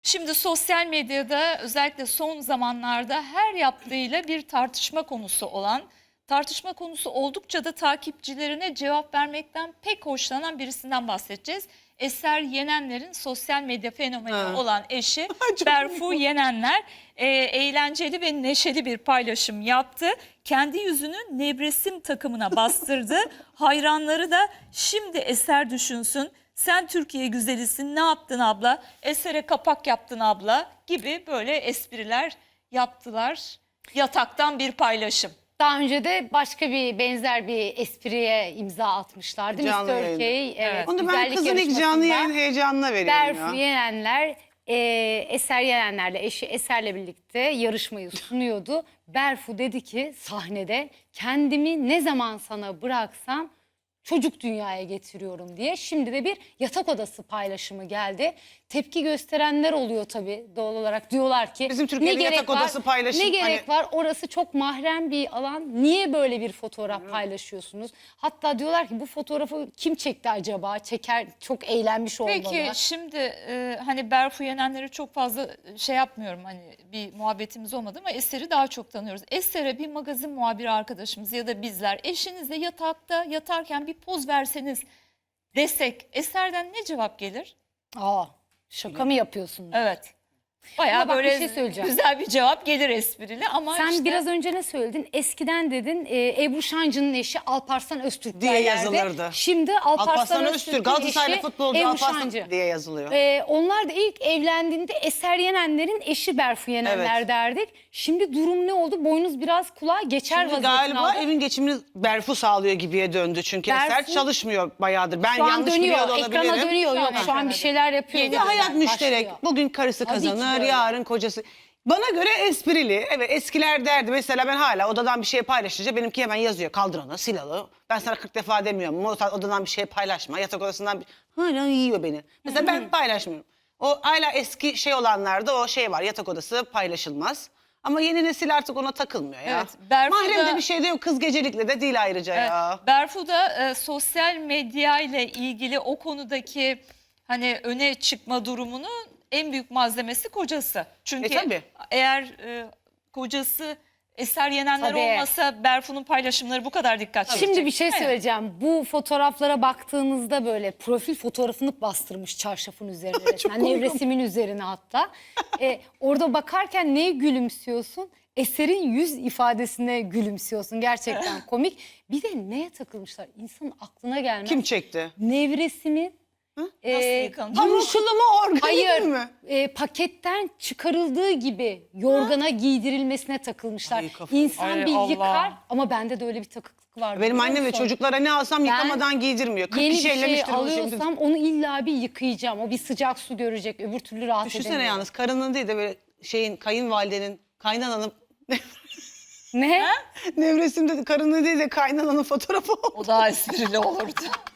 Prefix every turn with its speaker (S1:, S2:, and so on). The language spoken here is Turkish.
S1: Şimdi sosyal medyada özellikle son zamanlarda her yaptığıyla bir tartışma konusu olan, tartışma konusu oldukça da takipçilerine cevap vermekten pek hoşlanan birisinden bahsedeceğiz. Eser Yenenler'in sosyal medya fenomeni olan eşi Berfu Yenenler eğlenceli ve neşeli bir paylaşım yaptı. Kendi yüzünü nevresim takımına bastırdı. Hayranları da şimdi Eser düşünsün. Sen Türkiye güzelisin, ne yaptın abla? Eser'e kapak yaptın abla gibi böyle espriler yaptılar. Yataktan bir paylaşım.
S2: Daha önce de başka bir benzer bir espriye imza atmışlardı.
S3: Canlı
S2: Mr.
S3: yayında.
S2: Türkiye
S1: Evet.
S3: Onu ben
S2: güzellik
S3: kızın ilk canlı yayın heyecanına veriyorum
S2: Berfu
S3: ya.
S2: Yenenler, Eser Yenenler'le eşi Eser'le birlikte yarışmayı sunuyordu. Berfu dedi ki sahnede kendimi ne zaman sana bıraksam çocuk dünyaya getiriyorum diye. Şimdi de bir yatak odası paylaşımı geldi. Tepki gösterenler oluyor tabii doğal olarak. Diyorlar ki
S3: Bizim Türkiye'de yatak odası paylaşım,
S2: ne gerek
S3: hani-
S2: var? Orası çok mahrem bir alan. Niye böyle bir fotoğraf paylaşıyorsunuz? Hatta diyorlar ki bu fotoğrafı kim çekti acaba? Çeker çok eğlenmiş olmalı.
S1: Peki şimdi hani Berfu Yenenler'i çok fazla şey yapmıyorum, hani bir muhabbetimiz olmadı ama Eser'i daha çok tanıyoruz. Eser'e bir magazin muhabiri arkadaşımız ya da bizler eşinizle yatakta yatarken bir poz verseniz desek Eser'den ne cevap gelir?
S2: Aa, şaka mı yapıyorsun?
S1: Evet. Bayağı
S2: Ama bak, bir
S1: böyle
S2: şey söyleyeceğim.
S1: güzel bir cevap gelir esprili ama
S2: Sen
S1: işte
S2: biraz önce ne söyledin? Eskiden dedin Ebru Şancı'nın eşi Alparslan Öztürk
S3: Diye
S2: derlerdi.
S3: yazılırdı.
S2: Şimdi Alparslan Öztürk'ün
S3: Öztürk, Galatasaraylı
S2: eşi
S3: futbolcu
S2: Ebru
S3: Alparslan
S2: Şancı.
S3: diye yazılıyor.
S2: Onlar da ilk evlendiğinde Eser Yenenler'in eşi Berfu Yenenler
S3: Evet.
S2: derdik. Şimdi durum ne oldu? Boynuz biraz kulağa geçer
S3: Şimdi
S2: vaziyetine
S3: galiba
S2: aldı.
S3: evin geçimini Berfu sağlıyor gibiye döndü. Çünkü
S2: Berfu-
S3: Eser çalışmıyor bayağıdır. Ben
S2: Şu an
S3: yanlış
S2: dönüyor,
S3: biliyor da olabilirim.
S2: ekrana dönüyor. Yok, şu an
S1: ekrana
S2: bir şeyler yapıyor.
S3: Bir de hayat müşterek.
S2: Başlıyor.
S3: Bugün karısı
S2: Tabii ki
S3: kazanır,
S2: öyle.
S3: yarın kocası. Bana göre esprili. Evet, eskiler derdi. Mesela ben hala odadan bir şey paylaşınca benimki hemen yazıyor. Kaldır onu, sil onu. Ben sana 40 defa demiyorum. Odadan bir şey paylaşma. Yatak odasından bir... Hala yiyor beni. Mesela ben paylaşmıyorum. O hala eski şey olanlarda o şey var. Yatak odası paylaşılmaz. Ama yeni nesil artık ona takılmıyor ya.
S1: Evet, Berfu
S3: Mahremde
S1: da-
S3: bir şey de yok. Kız gecelikle de değil ayrıca ya.
S1: Berfu da sosyal medya ile ilgili o konudaki hani öne çıkma durumunu en büyük malzemesi kocası. Çünkü
S3: tabii.
S1: eğer kocası Eser Yenenler
S2: Tabii.
S1: olmasa Berfu'nun paylaşımları bu kadar dikkat çekecek.
S2: Şimdi bir şey
S1: Evet.
S2: söyleyeceğim. Bu fotoğraflara baktığınızda böyle profil fotoğrafını bastırmış çarşafın üzerine. resmen.
S3: komik.
S2: Nevresimin üzerine hatta. Orada bakarken neye gülümsüyorsun? Eser'in yüz ifadesine gülümsüyorsun. Gerçekten komik. Bir de neye takılmışlar? İnsanın aklına gelmez.
S3: Kim çekti?
S2: Nevresimin
S1: Nasıl yıkanacak?
S3: Pamuklu mu, organik
S2: hayır,
S3: mi?
S2: paketten çıkarıldığı gibi yorgana giydirilmesine takılmışlar.
S3: Ay, kafam.
S2: İnsan
S1: Ay,
S2: bir
S1: Allah.
S2: yıkar ama bende de öyle bir takıklık var.
S3: Benim
S2: biliyor
S3: annem ve
S2: musun?
S3: çocuklara ne alsam yıkamadan giydirmiyor. 40
S2: Yeni bir
S3: kişi
S2: şey
S3: ellemiştir onu şimdi.
S2: alıyorsam onu illa bir yıkayacağım. O bir sıcak su görecek. Öbür türlü rahat
S3: Düşünsene
S2: edemiyorum.
S3: yalnız karının değil de böyle şeyin kayınvalidenin kaynananın
S2: Ne?
S3: nevresimde karının değil de kaynananın fotoğrafı oldu.
S1: O daha esprili olurdu.